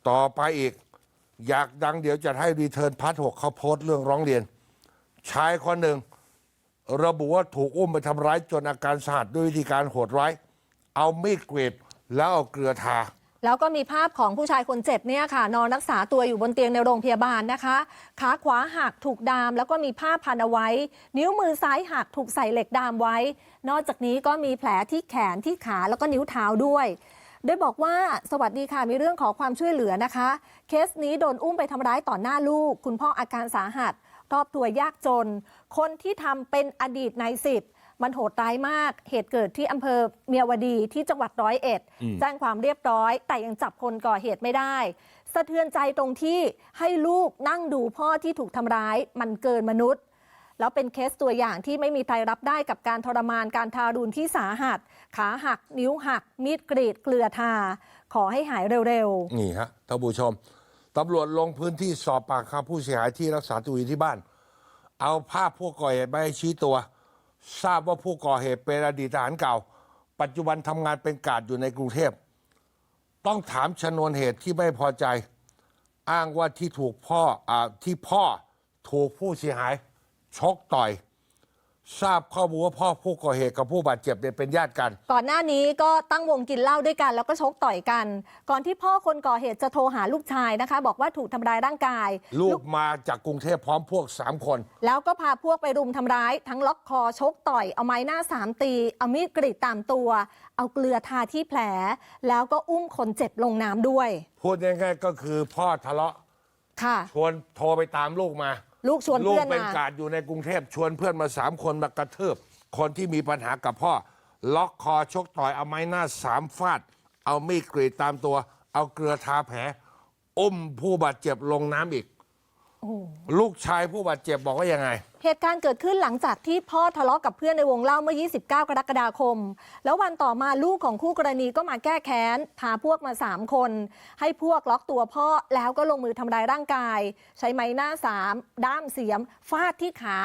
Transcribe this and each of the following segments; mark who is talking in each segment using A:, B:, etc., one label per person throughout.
A: ต่อไปอีกอยากดังเดี๋ยวจะให้รีเทิร์นพาร์ท 6เขาโพสต์เรื่องร้องเรียนชายคนหนึ่งระบุว่าถูกอุ้มไปทำร้ายจนอาการสาหัสด้วยวิธีการโหดร้ายเอามีดกรีดแล้วเอาเกลือทา
B: แล้วก็มีภาพของผู้ชายคนเจ็บเนี่ยค่ะนอนรักษาตัวอยู่บนเตียงในโรงพยาบาลนะคะขาขวาหักถูกดามแล้วก็มีผ้าพันเอาไว้นิ้วมือซ้ายหักถูกใส่เหล็กดามไว้นอกจากนี้ก็มีแผลที่แขนที่ขาแล้วก็นิ้วเท้าด้วยโดยบอกว่าสวัสดีค่ะมีเรื่องขอความช่วยเหลือนะคะเคสนี้โดนอุ้มไปทำร้ายต่อหน้าลูกคุณพ่ออาการสาหัสครอบครัวยากจนคนที่ทำเป็นอดีตนายสิบมันโหดร้ายมากเหตุเกิดที่อำเภอเมียวดีที่จังหวัด101แจ้งความเรียบร้อยแต่ยังจับคนก่อเหตุไม่ได้สะเทือนใจตรงที่ให้ลูกนั่งดูพ่อที่ถูกทำร้ายมันเกินมนุษย์แล้วเป็นเคสตัวอย่างที่ไม่มีใครรับได้กับการทรมานการทารุณที่สาหัสขาหักนิ้วหักมีดกรีดเกลือทาขอให้หายเร็ว
A: ๆนี่ฮะท่านผู้ชมตำรวจลงพื้นที่สอบปากคำผู้เสียหายที่รักษาตัวอยู่ที่บ้านเอาภาพผู้ก่อเหตุไปให้ชี้ตัวทราบว่าผู้ก่อเหตุเป็นอดีตทหารเก่าปัจจุบันทำงานเป็นการ์ดอยู่ในกรุงเทพต้องถามชนวนเหตุที่ไม่พอใจอ้างว่าที่ถูกพ่อถูกผู้เสียหายชกต่อยทราบข้อมูลว่าพ่อผู้ก่อเหตุกับผู้บาดเจ็บเนี่ยเป็นญาติกัน
B: ก่อนหน้านี้ก็ตั้งวงกินเหล้าด้วยกันแล้วก็ชกต่อยกันก่อนที่พ่อคนก่อเหตุจะโทรหาลูกชายนะคะบอกว่าถูกทำร้ายร่างกาย
A: ลูกมาจากกรุงเทพพร้อมพวก3คน
B: แล้วก็พาพวกไปรุมทำร้ายทั้งล็อกคอชกต่อยเอาไม้หน้า3ตีเอามีดกรีดตามตัวเอาเกลือทาที่แผลแล้วก็อุ้มคนเจ็บลงน้ำด้วย
A: พูดง่ายๆก็คือพ่อทะเลาะชวนโทรไปตามลูกมา
B: ลูกชวนเพื่อนมา
A: ลูกเป็นการ์ดอยู่ในกรุงเทพชวนเพื่อนมา3คนมากระทืบคนที่มีปัญหากับพ่อล็อกคอชกต่อยเอาไม้หน้า3ฟาดเอามีดกรีดตามตัวเอาเกลือทาแผลอุ้มผู้บาดเจ็บลงน้ำอีกลูกชายผู้บาดเจ็บบอกว่ายังไง
B: เหตุการณ์เกิดขึ้นหลังจากที่พ่อทะเลาะกับเพื่อนในวงเล่าเมื่อ29 กรกฎาคมแล้ววันต่อมาลูกของคู่กรณีก็มาแก้แค้นพาพวกมา3คนให้พวกล็อกตัวพ่อแล้วก็ลงมือทำร้ายร่างกายใช้ไม้หน้า3ด้ามเสียมฟาดที่ขา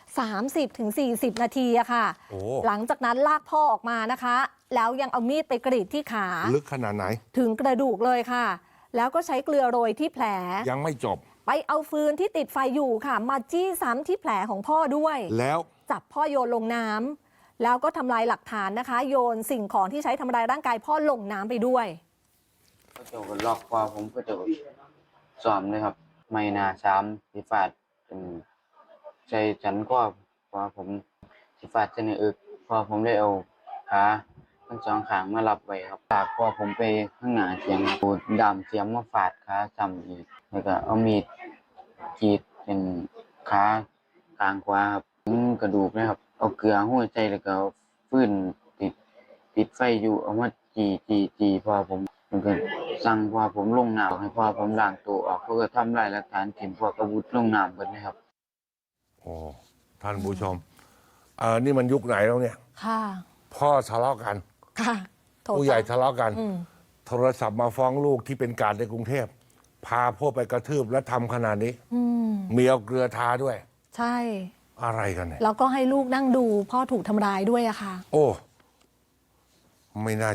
B: 30-40 นาทีอะค่ะหลังจากนั้นลากพ่อออกมานะคะแล้วยังเอามีดไปกรีดที่ขา
A: ลึกขนาดไหน
B: ถึงกระดูกเลยค่ะแล้วก็ใช้เกลือโรยที่แผล
A: ยังไม่จบ
B: ไปเอาฟืนที่ติดไฟอยู่ค่ะมาจี้ซ้ำที่แผลของพ่อด้วย
A: แล้ว
B: จับพ่อโยนลงน้ำแล้วก็ทำลายหลักฐานนะคะโยนสิ่งของที่ใช้ทำลายร่างกายพ่อลงน้ำไปด้วย
C: ก็จะล็อกคอผมก็จะซ้อมเลยครับไม่นา3สิฟาดเป็นใจฉันก็พอผมสิฟาดจะในอึกพอผมได้เอาขาทั้ง2ข้างมารับไว้ครับตากพอผมไปข้างหน้าเสียงปูดดำเสียมมาฟาดขาซ้ำอีกแล้วก็เอามีดกรีดเป็นขากลางขวาครับถึงกระดูกนะครับเอาเกลือห้อยใจแล้วก็ฟืนติดไฟอยู่เอามาจีพอผมมันก็สั่งพอผมลงน้ำให้พอผมล้างตัวออกเขาก็ทำลายหลักฐานถิ่นพวกอาวุธลงน้ำกันนะครับ
A: โอ้ท่านผู้ชมนี่มันยุคไหนแล้วเนี่ย
B: ค่ะ
A: พ่อทะเลาะกัน
B: ค่ะ
A: ผู้ใหญ่ทะเลาะกันโทรศัพท์มาฟ้องลูกที่เป็นการในกรุงเทพพาพวกไปกระทืบและทำขนาดนี้มีเอาเกลือทาด้วย
B: ใช่
A: อะไรกันเนี่ย
B: แล้วก็ให้ลูกนั่งดูพ่อถูกทำร้ายด้วยอะค่ะ
A: โอ้ไม่น่า